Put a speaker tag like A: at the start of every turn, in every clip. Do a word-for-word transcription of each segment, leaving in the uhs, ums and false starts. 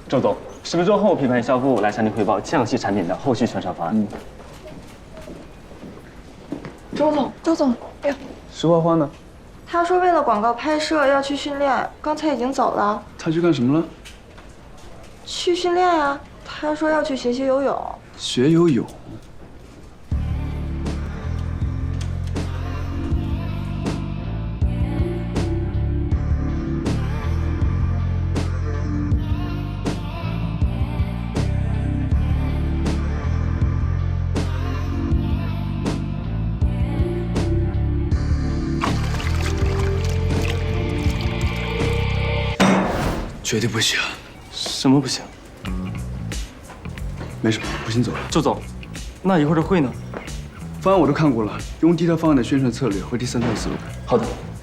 A: 周总，十分钟后品牌销部来向您汇报降息产品的后续宣传方案。嗯。
B: 周总，周总，哎呀，
C: 石花花呢？
B: 他说为了广告拍摄要去训练，刚才已经走了。
C: 他去干什么了？
B: 去训练呀，他说要去学习游泳。
C: 学游泳。 绝对不行！
A: 什么不行？
C: 没什么，我先走了。
A: 周总，那一会儿的会呢？
C: 方案我都看过了，用第一套方案的宣传策略和第三套思路。
A: 好的。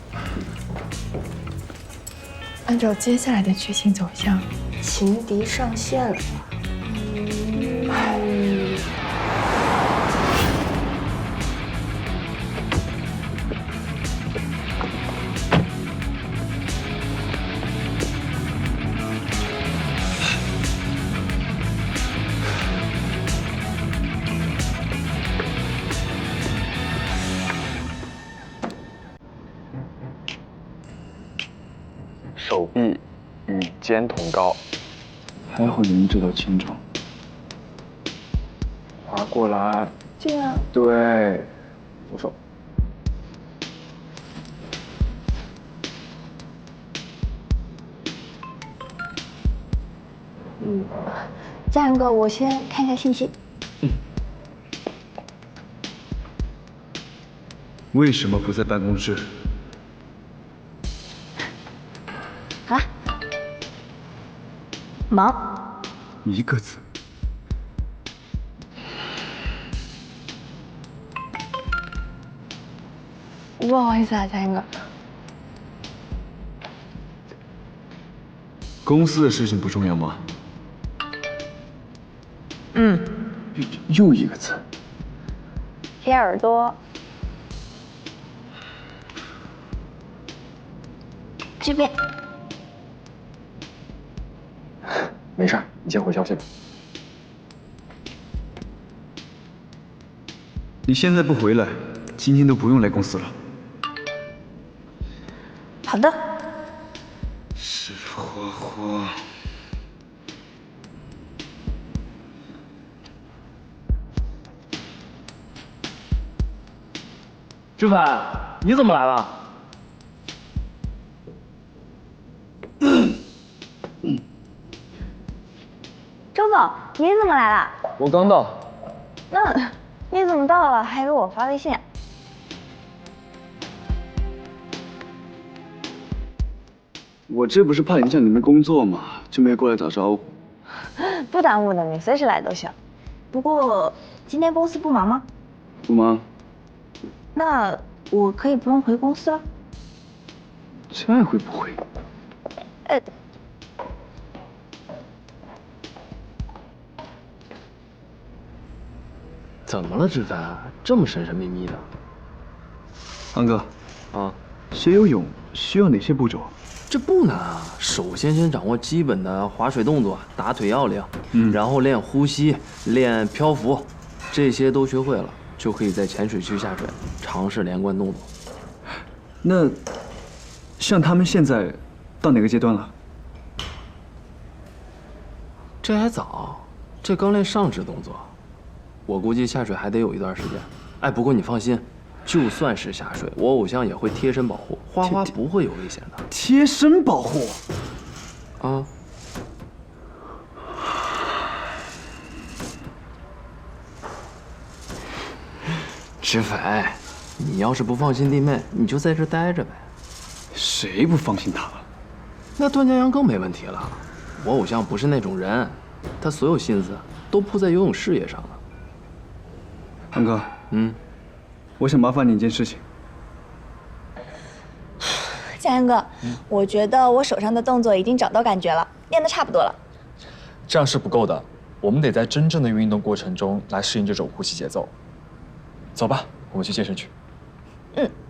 D: 按照接下来的剧情走向，
B: 情敌上线了。嗯
E: 手臂与肩同高，
C: 还好你能知道轻重。
E: 滑过来，
B: 这样。
E: 对，左手。
F: 嗯，嘉阳哥，我先看一下信息。
C: 嗯。为什么不在办公室？
F: 好了，忙。
C: 一个字。
F: 不好意思啊，嘉英哥。
C: 公司的事情不重要吗？
F: 嗯。
C: 又一个字。
F: 贴耳朵。这边。
E: 没事，你先回消息吧。
C: 你现在不回来，今天都不用来公司了。
F: 好的。
C: 石花花。
A: 志凡，你怎么来了？
F: 周总，你怎么来了？
E: 我刚到。
F: 那你怎么到了还给我发微信？
C: 我这不是怕影响你们工作嘛，就没过来打招呼。
F: 不耽误的，你随时来都行。不过今天公司不忙吗？
C: 不忙。
F: 那我可以不用回公司了？
C: 这会不会？
F: 呃。
A: 怎么了，志凡？这么神神秘秘的？
C: 安哥，
A: 啊，
C: 学游泳需要哪些步骤？
A: 这不难啊。首先，先掌握基本的划水动作、打腿要领，
C: 嗯，
A: 然后练呼吸、练漂浮，这些都学会了，就可以在浅水区下水，尝试连贯动作。
C: 那，像他们现在到哪个阶段了？
A: 这还早，这刚练上肢动作。 我估计下水还得有一段时间，哎，不过你放心，就算是下水，我偶像也会贴身保护，花花不会有危险的。
C: 贴身保护？
A: 啊？志凡，你要是不放心弟妹，你就在这待着呗。
C: 谁不放心他了？
A: 那段江阳更没问题了，我偶像不是那种人，他所有心思都扑在游泳事业上了。
C: 安哥，
A: 嗯，
C: 我想麻烦你一件事情。
F: 嘉阳哥，嗯、我觉得我手上的动作已经找到感觉了，练得差不多了。
G: 这样是不够的，我们得在真正的运动过程中来适应这种呼吸节奏。走吧，我们去健身去。
F: 嗯。